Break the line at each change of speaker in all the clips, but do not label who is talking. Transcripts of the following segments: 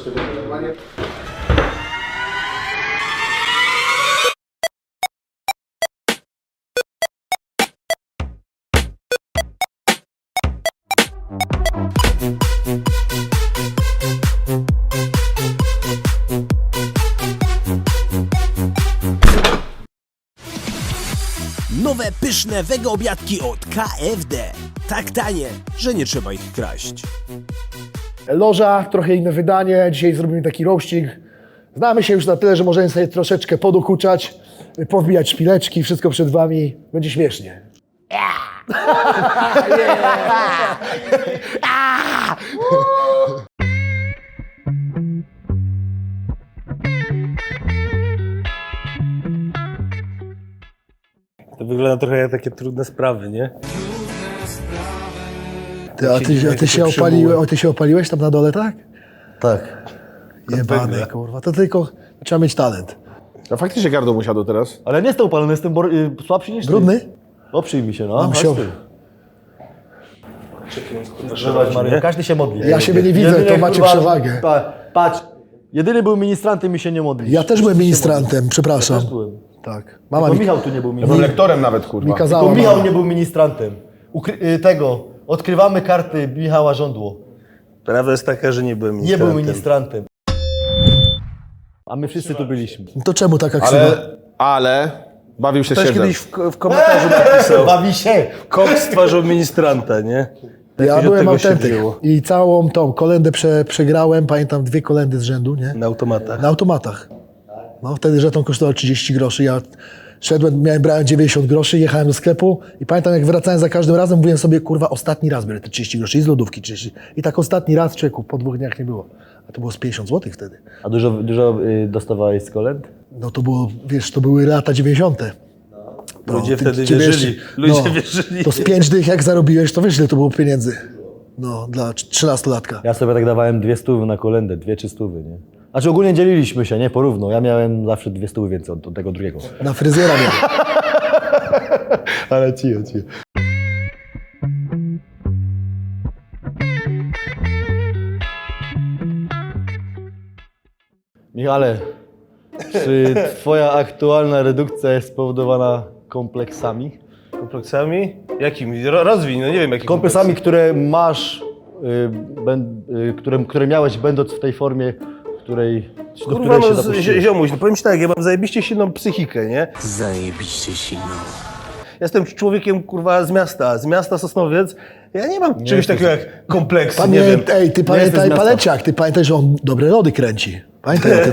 Nowe, pyszne wege obiadki od KFD. Tak tanie, że nie trzeba ich kraść.
Loża, trochę inne wydanie. Dzisiaj zrobimy taki roasting. Znamy się już na tyle, że możemy sobie troszeczkę podokuczać, powbijać szpileczki, wszystko przed wami. Będzie śmiesznie.
To wygląda trochę jak takie trudne sprawy, nie?
Ty się opaliłeś tam na dole, tak?
Tak.
Jebany, kurwa. To tylko trzeba mieć talent.
A faktycznie gardło mu siadło teraz.
Ale nie jestem upalony, jestem słabszy niż ty.
Brudny?
Oprzyj mi się, no.
Musiał.
Mario, każdy się modli.
Ja siebie nie widzę, to macie przewagę.
Patrz, jedyny był ministrantem i się nie modli.
Ja też byłem ministrantem, przepraszam.
Też byłem.
Tak. Mama
Tylko
mi,
Michał tu nie był
Ja byłem
ministrantem.
lektorem nawet, kurwa.
mi kazała.
Tylko Michał
mama.
nie był ministrantem. Odkrywamy karty Michała Żądło.
Prawda jest taka, że nie byłem
Nie
ministrantem.
był ministrantem. A my wszyscy tu byliśmy.
To czemu taka ksywa?
Ale bawił się
Ktoś
siedzem.
kiedyś w komentarzu napisał,
Bawi się.
Koks stworzył ministranta, nie?
Ja
Jakoś od
byłem
tego się
autentyk
wzięło.
i całą tą kolendę przegrałem, pamiętam 2 kolendy z rzędu, nie?
Na automatach.
Na automatach. No wtedy żeton kosztował 30 groszy, ja brałem 90 groszy, jechałem do sklepu i pamiętam jak wracałem za każdym razem, mówiłem sobie, kurwa, ostatni raz biorę te 30 groszy i z lodówki 30. I tak ostatni raz, człowieku, po 2 dniach nie było. A to było z 50 zł wtedy.
A dużo dostawałeś z kolęd?
No to było, wiesz, to były lata 90. No,
Ludzie wtedy
ty
wierzyli.
wiesz,
Ludzie wierzyli.
To z 5 dych jak zarobiłeś, to wiesz ile to było pieniędzy. No, dla 13-latka.
Ja sobie tak dawałem 200 na kolędę, 2-300, nie? Znaczy ogólnie dzieliliśmy się, nie? Porówno. Ja miałem zawsze 200 więcej od tego drugiego.
Na fryzjera miałem.
Ale cicho. Michale, czy twoja aktualna redukcja jest spowodowana kompleksami?
Kompleksami? Jakimi? Rozwiń, no nie wiem jakimi.
Kompleksami, które masz, które miałeś będąc w tej formie, do której
Kurwa,
się
no
dopuściłeś.
ziomuś, no powiem ci tak, ja mam zajebiście silną psychikę, nie?
Zajebiście silną.
Jestem człowiekiem, kurwa, z miasta Sosnowiec. Ja nie mam czegoś takiego jak kompleksy, nie wiem.
Ej, ty
Nie
pamiętaj
jestem z miasta.
Paleciak, ty pamiętaj, że on dobre lody kręci. Pamiętaj o tym.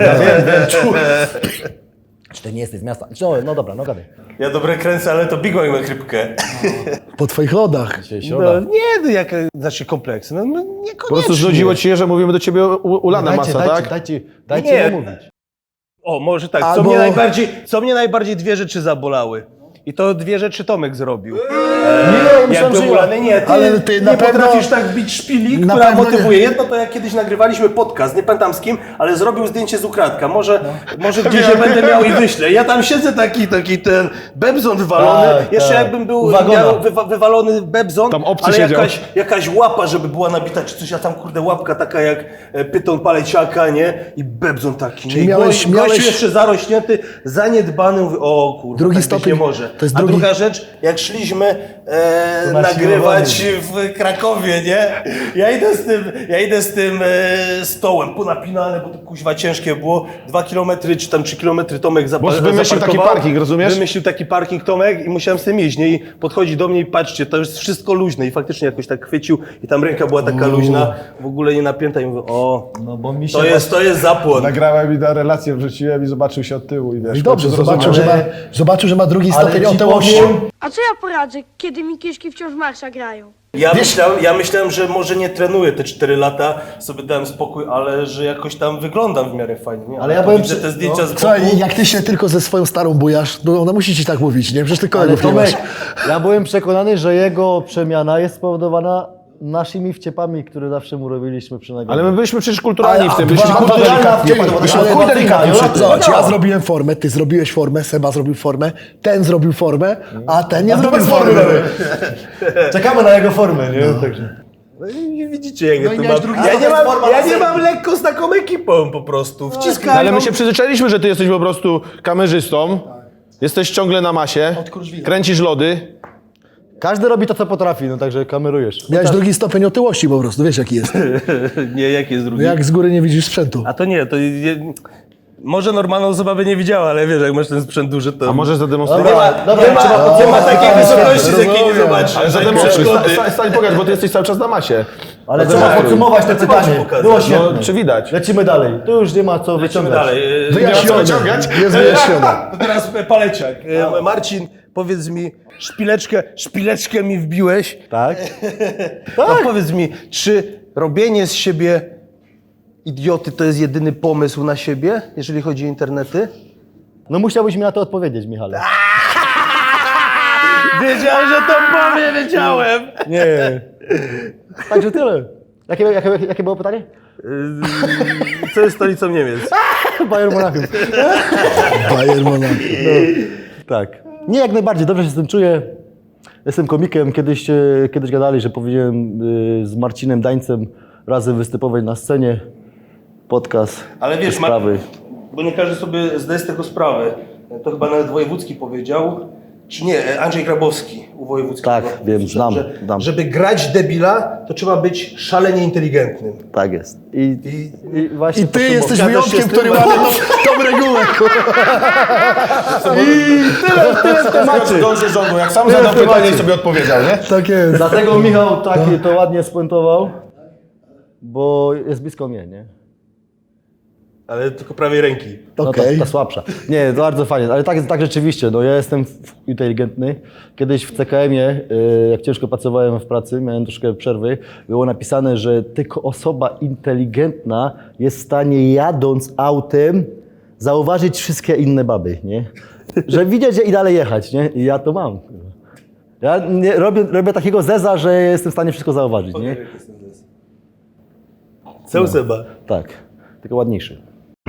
Czy ty nie jesteś z miasta? No dobra, no gadaj.
Ja dobre kręcę, ale to Big Mac ma chrypkę.
Po twoich lodach.
Dzisiaj
No,
środa.
nie, no jak, znaczy kompleksy, no niekoniecznie.
Po prostu znudziło ci się, że mówimy do ciebie ulana masa, tak?
Dajcie
Nie.
mu mówić.
O, może tak,
Albo-
co mnie najbardziej 2 rzeczy zabolały. I to 2 rzeczy Tomek zrobił.
myślałem, że ja.
ulany, nie, ty,
Ale ty na
nie
pewno-
potrafisz tak bić szpili,
na
która
pewno nie.
motywuje. Jedno to jak kiedyś nagrywaliśmy podcast, nie pamiętam z kim, ale zrobił zdjęcie z ukradka. Może gdzieś je będę miał i wyślę. Ja tam siedzę taki ten bebzon wywalony.
Tak,
Jeszcze
tak.
jakbym był
Uwagona.
miał wywalony bebzon,
Tam obcy
ale
siedział.
jakaś łapa, żeby była nabita czy coś, a tam kurde łapka taka jak pyton paleciaka, nie? I bebzon taki.
Czyli
nie?
miałeś-
Gościu jeszcze zarośnięty, zaniedbany, mówię, o kurwa,
Drugi
tak być
stopień.
nie może.
To jest
A
drugi-
druga rzecz, jak szliśmy nagrywać w Krakowie, nie? Ja idę z tym stołem, ponapinane, bo to kuźwa ciężkie było. 2 kilometry czy tam 3 kilometry Tomek
Bo wymyślił taki parking, rozumiesz?
Wymyślił taki parking Tomek i musiałem z tym iść, nie? I podchodzi do mnie i patrzcie, to jest wszystko luźne. I faktycznie jakoś tak chwycił i tam ręka była taka luźna, w ogóle nie napięta i mówię, o,
No bo mi się
to jest zapłon.
Nagrałem i na relację wrzuciłem i zobaczył się od tyłu i wiesz.
I dobrze, zobaczył, że ma drugi
Ale
stopień
ci
otyłości.
powiem-
A co ja poradzę, kiedy mi kieszki wciąż w marsza grają?
Ja myślałem, że może nie trenuję te 4 lata, sobie dałem spokój, ale że jakoś tam wyglądam w miarę fajnie. Nie?
Ale ja
tu
byłem
widzę
przy-
te zdjęcia z boku.
Słuchaj, jak ty się tylko ze swoją starą bujasz, to ona musi ci tak mówić, nie? Przecież ty
Ale
kolegów nie masz.
Tomek, ja byłem przekonany, że jego przemiana jest spowodowana naszymi wciepami, które zawsze mu robiliśmy przy nagraniu.
Ale my byliśmy przecież kulturalni w tym.
Byliśmy
Byliśmy
delikatnie,
ale
delikatnie.
no,
Zobacz,
no.
ja zrobiłem formę, ty zrobiłeś formę, Seba zrobił formę, ten zrobił formę, a ten nie zrobił formy.
Czekamy na jego formę, nie? Także.
No i widzicie, jak
No i
ja
miałeś
to mam.
drugi
Ja nie mam lekko z taką ekipą po prostu. Wciskają.
Ale my się przyzwyczailiśmy, że ty jesteś po prostu kamerzystą. Jesteś ciągle na masie. Kręcisz lody.
Każdy robi to, co potrafi, no także kamerujesz.
Miałeś drugi stopień otyłości po prostu, wiesz jaki jest.
Nie, jak jest drugi?
Jak z góry nie widzisz sprzętu.
A to nie, to może normalna osoba by nie widziała, ale wiesz, jak masz ten sprzęt duży, to...
A możesz zademonstrować?
Nie ma takiej wysokości, z jakiej nie zobaczysz.
Ale zademonstruj, stań pokaż, bo ty jesteś cały czas na masie.
Ale trzeba podsumować te pytanie.
pokazać.
Było świetne.
No, czy widać?
Lecimy dalej. Tu już nie ma co
Lecimy
wyciągać.
dalej.
Wyjaśnione. Jest wyjaśnione.
To teraz paleciak. Marcin, powiedz mi, szpileczkę mi wbiłeś.
Tak?
No powiedz mi, czy robienie z siebie idioty to jest jedyny pomysł na siebie, jeżeli chodzi o internety?
No musiałbyś mi na to odpowiedzieć, Michale.
Wiedziałem, że to powie, wiedziałem.
Nie. Także tyle. Jakie było pytanie?
Co jest stolicą Niemiec?
Bayern Monachium.
Bayern Monachium.
Tak. Nie, jak najbardziej. Dobrze się z tym czuję. Jestem komikiem. Kiedyś gadali, że powinienem z Marcinem Dańcem razem występować na scenie. Podcast.
Ale wiesz,
sprawy.
bo nie każdy sobie zdaje z tego sprawę. To chyba nawet Wojewódzki powiedział, czy nie, Andrzej Grabowski u Wojewódzkiego.
Tak, wiem, znam.
Żeby grać debila, to trzeba być szalenie inteligentnym.
Tak jest. I właśnie
I ty
podsumowując-
jesteś
Zgadzasz się
wyjątkiem,
z tym?
który ma tą regułę.
Tyle w temacie. Dąży rządu, jak sam zadał pytanie i sobie odpowiedział, nie?
Tak jest.
Dlatego Michał to ładnie spuentował, bo jest blisko mnie, nie?
Ale tylko prawej ręki.
No
Okej.
ta słabsza. Nie, to bardzo fajnie, ale tak rzeczywiście, no ja jestem inteligentny. Kiedyś w CKM-ie, jak ciężko pracowałem w pracy, miałem troszkę przerwy, było napisane, że tylko osoba inteligentna jest w stanie jadąc autem zauważyć wszystkie inne baby, nie? Że widzieć i dalej jechać, nie? I ja to mam. Ja nie, robię takiego zeza, że jestem w stanie wszystko zauważyć, nie?
Co Seba?
Tak, tylko ładniejszy.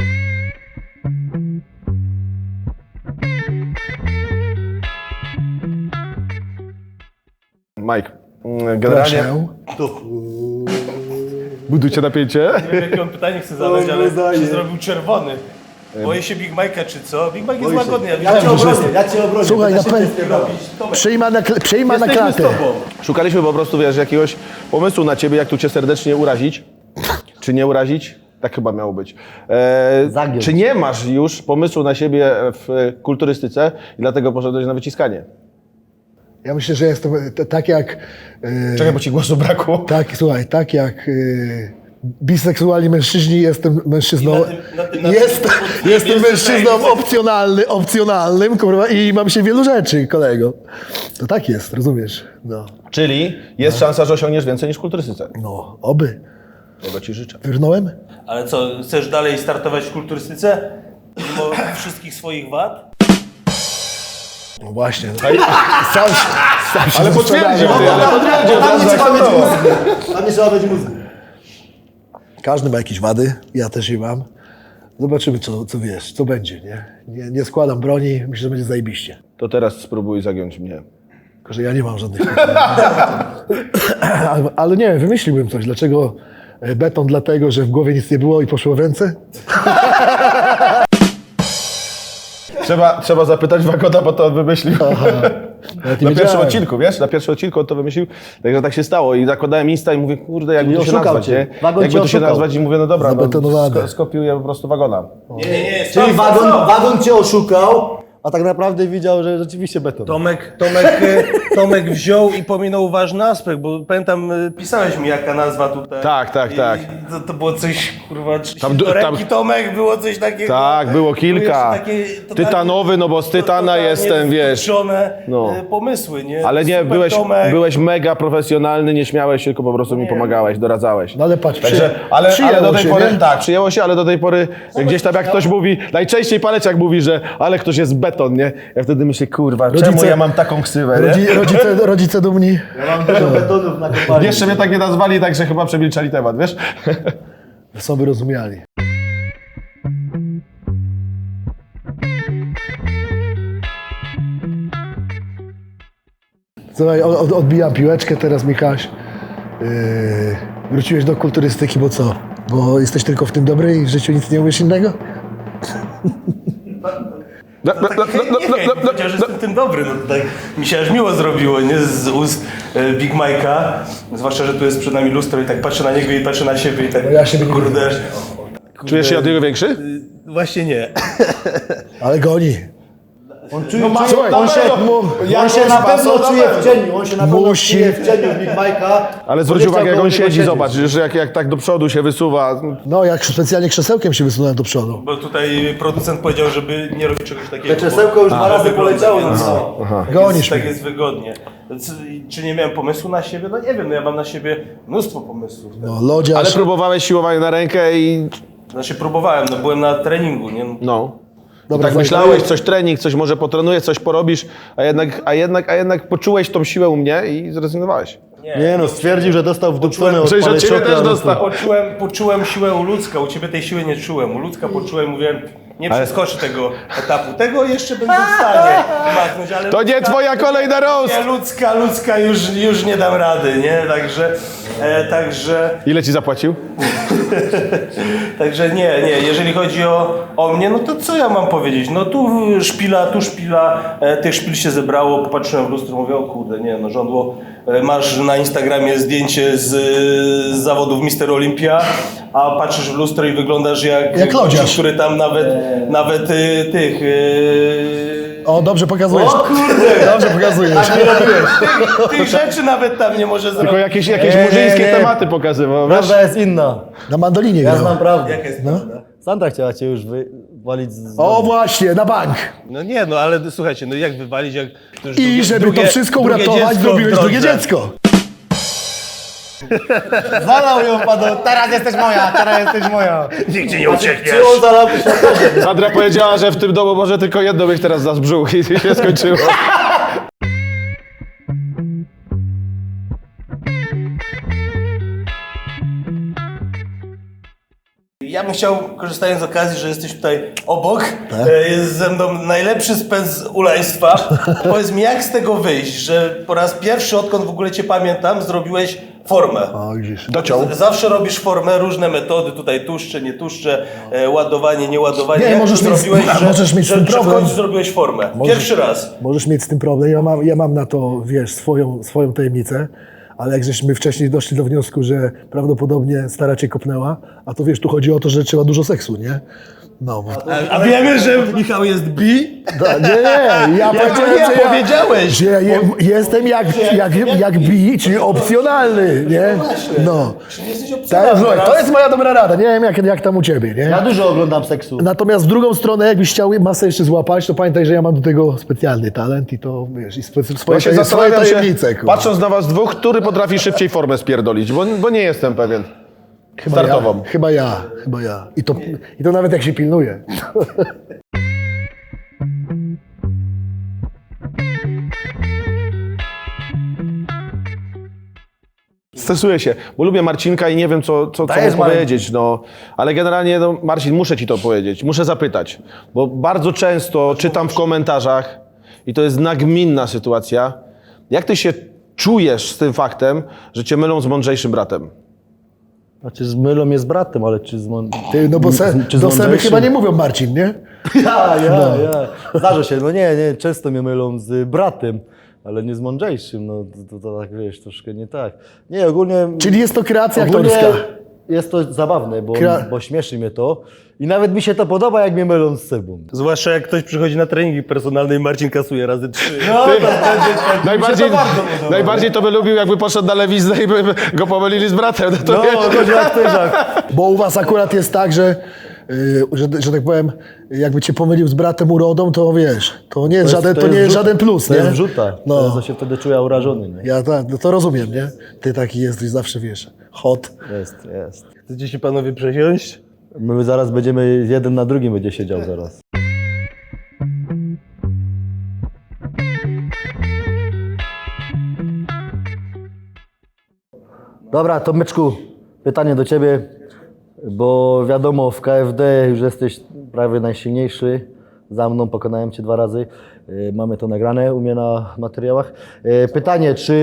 Mike, generalnie
Proszę.
budujcie napięcie.
Nie wiem, jakie on pytanie chce zadać, ale czy zrobił czerwony? Boję się Big Mike'a, czy co? Big Mike jest łagodny, ja widziałem,
Ja cię obronię.
Słuchaj,
będę
na
szybciej spierdalał.
przejma na
Jesteśmy z
klatę.
tobą.
Szukaliśmy po prostu, wiesz, jakiegoś pomysłu na ciebie, jak tu cię serdecznie urazić, czy nie urazić. Tak chyba miało być.
Zagiąć.
Czy nie masz już pomysłu na siebie w kulturystyce i dlatego poszedłeś na wyciskanie?
Ja myślę, że jestem tak jak...
Czekaj, bo ci głosu brakło.
Tak, słuchaj, tak jak biseksualni mężczyźni, jestem mężczyzną. Jestem mężczyzną opcjonalnym, kurwa, i mam się wielu rzeczy, kolego. To tak jest, rozumiesz? No,
Czyli jest szansa, że osiągniesz więcej niż w kulturystyce.
no oby.
Tego ci życzę.
Wyrnąłem?
Ale co, chcesz dalej startować w kulturystyce? Mimo wszystkich swoich wad?
No właśnie. Sam się
Ale potwierdził,
Tam nie trzeba mieć mózgu. Tam nie trzeba mieć mózgu.
Każdy ma jakieś wady, ja też je mam. Zobaczymy, co wiesz, co będzie, nie? Nie składam broni, myślę, że będzie zajebiście.
To teraz spróbuj zagiąć mnie.
Tylko, że ja nie mam żadnych... ale nie, wymyśliłbym coś. Dlaczego beton? Dlatego, że w głowie nic nie było i poszło w ręce?
Trzeba zapytać Wagona, bo to on wymyślił.
Nawet
Na
nie
pierwszym
wiedziałem.
odcinku, wiesz? Na pierwszym odcinku on to wymyślił. Także tak się stało. I zakładałem Insta i mówię, kurde, jakby
Czyli
to się
oszukał
nazwać,
cię.
nie?
Wagon
Jakby
cię
to się
oszukał.
nazwać i mówię, no dobra,
Zabetonowane.
skopiuję po prostu Wagona.
Nie,
Czyli wagon cię oszukał, a tak naprawdę widział, że rzeczywiście beton.
Tomek wziął i pominął ważny aspekt, bo pamiętam, pisałeś mi jaka nazwa tutaj.
Tak.
I to było coś, kurwa,
Tam
do ręki
tam-
Tomek, było coś takiego.
Tak, było kilka.
Takie totalnie-
Tytanowy, no bo z tytana
totalnie
jestem, wiesz.
wkurzone,
No.
pomysły, nie?
Ale nie,
Super Tomek.
byłeś mega profesjonalny, nie śmiałeś się, tylko po prostu mi pomagałeś, doradzałeś.
No ale patrz,
Ale
przyjęło
do tej
się,
pory,
nie?
tak, przyjęło się, ale do tej pory gdzieś tam jak ktoś mówi, najczęściej Paleciak mówi, że ale ktoś jest beton, nie? Ja wtedy myślę, kurwa, czemu
Rodzice-
ja mam taką ksywę, nie?
Rodzice dumni.
Ja mam dużo betonów na kopalni.
Jeszcze mnie tak nie nazwali, także chyba przemilczali temat, wiesz?
Są wyrozumiali. Słuchaj, odbijam piłeczkę teraz, Michaś. Wróciłeś do kulturystyki, bo co? Bo jesteś tylko w tym dobry i w życiu nic nie umiesz innego?
Chociaż jestem tym dobry, no to tak mi się aż miło zrobiło, nie? Z ust Big Mike'a. Zwłaszcza, że tu jest przed nami lustro i tak patrzę na niego i patrzę na siebie i tak,
No ja siebie nie
kurde.
Czujesz się od niego większy?
Właśnie nie.
Ale goni.
On czuje,
słuchaj,
on się na pewno czuje w cieniu, on się na pewno
Musi.
czuje w cieniu Big Mike'a.
Ale zwróć uwagę, jak on siedzi, zobacz, że jak tak do przodu się wysuwa.
No, jak specjalnie krzesełkiem się wysunąłem do przodu.
Bo tutaj producent powiedział, żeby nie robić czegoś takiego.
Te krzesełko już 2 razy poleciało na
więc
cało.
Gonisz
tak
mnie.
jest wygodnie. Czy nie miałem pomysłu na siebie? No nie wiem, no ja mam na siebie mnóstwo pomysłów.
No, lodziarz.
Ale próbowałeś siłowania na rękę i
Znaczy próbowałem, no byłem na treningu, nie?
no.
Dobra,
Tak myślałeś, coś trening, coś może potrenujesz, coś porobisz, a jednak poczułeś tą siłę u mnie i zrezygnowałeś.
Nie no, stwierdził, że dostał wdupcone od
Że od ciebie
paleciochy,
też
ale
dostał.
Poczułem siłę u Ludzka, u ciebie tej siły nie czułem. U Ludzka poczułem, mówiłem, nie przeskoczy tego etapu. Tego jeszcze będę w stanie machnąć, ale
To nie twoja kolej na roast!
nie, Ludzka już nie dam rady, nie? Także
Ile ci zapłacił?
Także nie, jeżeli chodzi o mnie, no to co ja mam powiedzieć? No tu szpila, tych szpil się zebrało, popatrzyłem w lustro, mówię, o kurde, nie, no żądło, masz na Instagramie zdjęcie z zawodów Mister Olympia, a patrzysz w lustro i wyglądasz jak
Jak
gościu,
lodziarz.
który tam nawet tych...
O, dobrze pokazujesz.
O kurde!
Dobrze pokazujesz.
Tak nie robiłeś.
tych rzeczy nawet tam nie może
Tylko
zrobić.
jakieś
Nie,
murzyńskie
nie.
tematy pokazywał, wiesz?
Prawda jest inna.
Na mandolinie
Ja
grał.
znam prawdę.
Jaka jest
No.
prawda?
Sandra chciała cię już wywalić z
O,
domu.
właśnie, na bank.
No nie, no ale słuchajcie, no jak wywalić, jak... to już
I żeby to wszystko
drugie
uratować,
dziecko w
zrobiłeś drugie
drodze.
dziecko.
Zalał ją padł, teraz jesteś moja.
Nigdzie nie uciekniesz.
Czy on zalał się?
Sandra powiedziała, że w tym domu może tylko jedno mieć teraz za brzuch i się skończyło.
Ja bym chciał, korzystając z okazji, że jesteś tutaj obok, jest ze mną najlepszy spec ulaństwa. Powiedz mi, jak z tego wyjść, że po raz pierwszy, odkąd w ogóle cię pamiętam, zrobiłeś formę.
O, widzisz.
Dociął.
Zawsze robisz formę, różne metody, tutaj tłuszcze, nie tłuszcze, ładowanie, nie ładowanie.
Nie,
Jak
możesz
to
mieć-
zrobiłeś,
możesz mieć z tym
że w
problem.
końcu zrobiłeś formę. Pierwszy raz.
Możesz mieć z tym problem. Ja mam na to, wiesz, swoją tajemnicę, ale jak żeśmy wcześniej doszli do wniosku, że prawdopodobnie stara cię kopnęła, a to wiesz, tu chodzi o to, że trzeba dużo seksu, nie? No,
A wiemy, że Michał jest bi?
nie, ja powiedziałem, że
powiedziałeś.
że ja jestem jak bi, czyli opcjonalny, nie? No.
Czy nie jesteś
Tak,
opcjonalny?
słuchaj, to jest moja dobra rada, nie wiem jak tam u ciebie, nie?
Ja dużo oglądam seksu.
Natomiast w drugą stronę, jakbyś chciał masę jeszcze złapać, to pamiętaj, że ja mam do tego specjalny talent i to, wiesz, i swoje
Ja się
swoje
zastanawiam się,
tajemnice, kurwa.
patrząc na was dwóch, który potrafi szybciej formę spierdolić, bo nie jestem pewien. Startową.
Chyba ja. I to nawet jak się pilnuje.
Stresuję się, bo lubię Marcinka i nie wiem, co
Dajesz,
mu powiedzieć, no. Ale generalnie, no, Marcin, muszę ci to powiedzieć, muszę zapytać, bo bardzo często czytam w komentarzach i to jest nagminna sytuacja, jak ty się czujesz z tym faktem, że cię mylą z mądrzejszym bratem?
Znaczy z mylą jest bratem, ale czy z
Ty, no bo
czy z
do Seby
mądrzejszym?
chyba nie mówią Marcin, nie?
Ja. Zdarza się, no nie, często mnie mylą z bratem, ale nie z mądrzejszym, no to tak wiesz, troszkę nie tak. Nie, ogólnie...
Czyli jest to kreacja
ogólnie
aktorska.
jest to zabawne,
Kra-
bo śmieszy mnie to i nawet mi się to podoba, jak mnie mylą z Sebą.
Zwłaszcza jak ktoś przychodzi na treningi personalne i Marcin kasuje razy 3.
No,
Najbardziej to by lubił, jakby poszedł na lewiznę i by go pomylili z bratem. No to wiesz.
chodzi jak tyżak.
Bo u was akurat jest tak, że tak powiem, jakby cię pomylił z bratem urodą, to wiesz, to nie jest żaden plus,
To
nie?
jest wrzuta,
No.
to się wtedy czuję urażony, nie?
Ja tak, no to rozumiem, nie? Ty taki jesteś zawsze, wiesz, hot.
Jest.
Chcecie się panowie przesiąść?
My zaraz będziemy, jeden na drugim będzie siedział zaraz. Dobra, Tomeczku, pytanie do ciebie, bo wiadomo, w KFD już jesteś prawie najsilniejszy. Za mną pokonałem cię 2 razy. Mamy to nagrane u mnie na materiałach. Pytanie, czy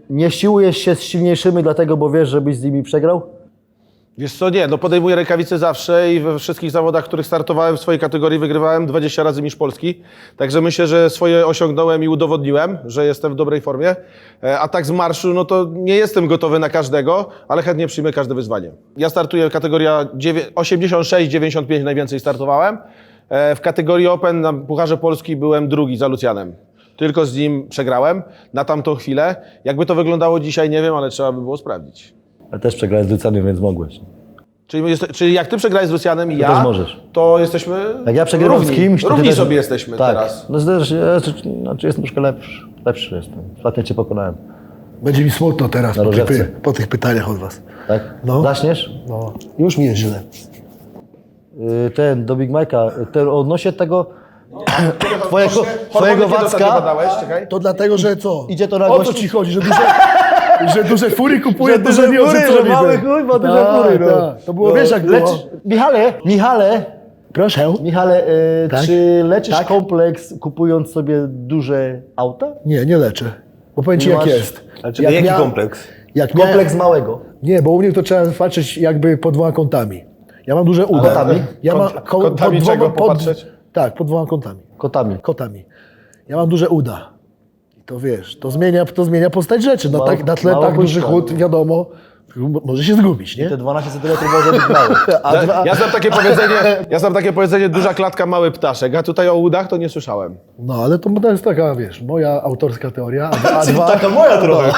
Nie siłujesz się z silniejszymi dlatego, bo wiesz, żebyś z nimi przegrał?
Wiesz co, nie, no podejmuję rękawice zawsze i we wszystkich zawodach, w których startowałem w swojej kategorii wygrywałem 20 razy mistrz Polski. Także myślę, że swoje osiągnąłem i udowodniłem, że jestem w dobrej formie. A tak z marszu, no to nie jestem gotowy na każdego, ale chętnie przyjmę każde wyzwanie. Ja startuję kategoria 86-95 najwięcej startowałem. W kategorii Open na Pucharze Polski byłem drugi za Lucjanem. Tylko z nim przegrałem na tamtą chwilę. Jakby to wyglądało dzisiaj, nie wiem, ale trzeba by było sprawdzić.
Ale też przegrałeś z Lucjanem, więc mogłeś.
Czyli jak ty przegrałeś z Lucjanem i
To
ja,
też możesz.
to jesteśmy
Jak ja przegrywam
równi.
z kimś, to ty
Równi
też...
sobie jesteśmy
tak.
teraz.
No znaczy jestem troszkę lepszy jestem. Ostatnio cię pokonałem.
Będzie mi smutno teraz
Na rożewce.
po tych pytaniach od was.
Tak?
No.
Zaśniesz?
No, już mi jest źle.
Ten, do Big Mike'a, ten odnośnie tego twojego
Hormony kiedy ostatnio
Wacka,
badałeś? Czekaj.
To dlatego, że co?
Idzie to na
O co
gości?
ci chodzi, że duże fury kupuje,
Że duże
nie
fury, że
odrzucony
mały
był.
chuj ma duże
Tak,
fury, no.
tak. To było, wiesz jak było.
Michale,
Proszę. Tak?
czy leczysz
Tak?
kompleks kupując sobie duże auta?
Nie leczę. Bo powiem ci
Nie
jak
masz-
jest.
Ale jaki kompleks?
Jak
Kompleks małego.
Nie, bo u mnie to trzeba patrzeć jakby pod dwoma kątami. Ja mam duże uda.
Kątami?
Ja mam
Kątami czego popatrzeć?
Tak, pod dwoma kątami.
Kotami.
Ja mam duże uda. I to wiesz, to zmienia postać rzeczy. No
Mało-
tak, na tle
mało
tak duży
puszcza.
chód, wiadomo, może się zgubić, nie?
Te 12 cm może być małe.
Ja znam takie powiedzenie, duża klatka, mały ptaszek, a tutaj o udach to nie słyszałem.
No, ale to jest taka, wiesz, moja autorska teoria,
Taka moja trochę.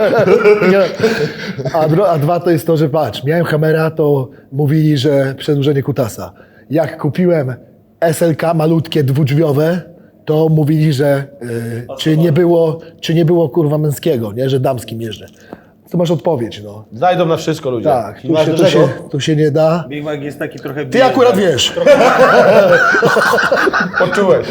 a dwa to jest to, że patrz, miałem Hammera, to mówili, że przedłużenie kutasa. Jak kupiłem SLK malutkie, dwudrzwiowe, to mówili, że czy nie było kurwa męskiego, nie, że damskim jeżdżę. To masz odpowiedź, no.
Znajdą na wszystko ludzie.
Tak,
masz dużego?
tu się nie da.
Big Mac jest taki trochę...
Ty akurat wiesz.
Poczułeś.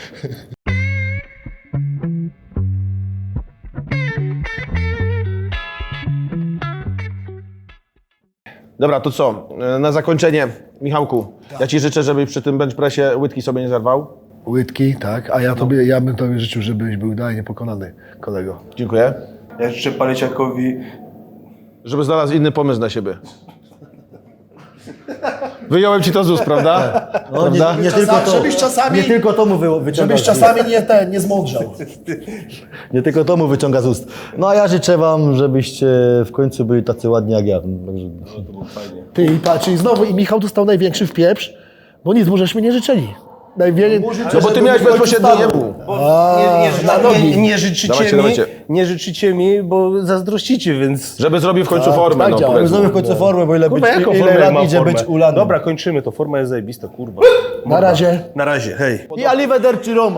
Dobra, to co? Na zakończenie, Michałku, ja ci życzę, żebyś przy tym bench pressie łydki sobie nie zerwał.
Łydki, tak, a ja bym tobie życzył, żebyś był dalej niepokonany, kolego.
Dziękuję.
Ja życzę Paleciakowi...
Żeby znalazł inny pomysł na siebie. Wyjąłem ci to z ust, prawda?
No,
Prawda?
nie tylko to,
żebyś czasami-
nie tylko to mu wyciąga z ust.
nie zmądrzał.
Nie tylko to mu wyciąga z ust. No a ja życzę wam, żebyście w końcu byli tacy ładni jak ja. Także...
Ty i patrz, i znowu i Michał dostał największy wpieprz, bo nic mu żeśmy nie życzyli.
No bo ty miałeś bezpośrednio jemu.
Nie życzycie mi, bo zazdrościcie, więc...
Żeby zrobił w końcu formę,
tak
no
działa.
powiedzmy.
Zrobię w końcu formę, bo ile,
Kurwa, jaką
ile
formę
lat
mam
idzie
formę?
być ulanym.
Dobra, kończymy to. Forma jest zajebista, kurwa.
Na razie.
Na razie, hej.
I Arrivederci Roma.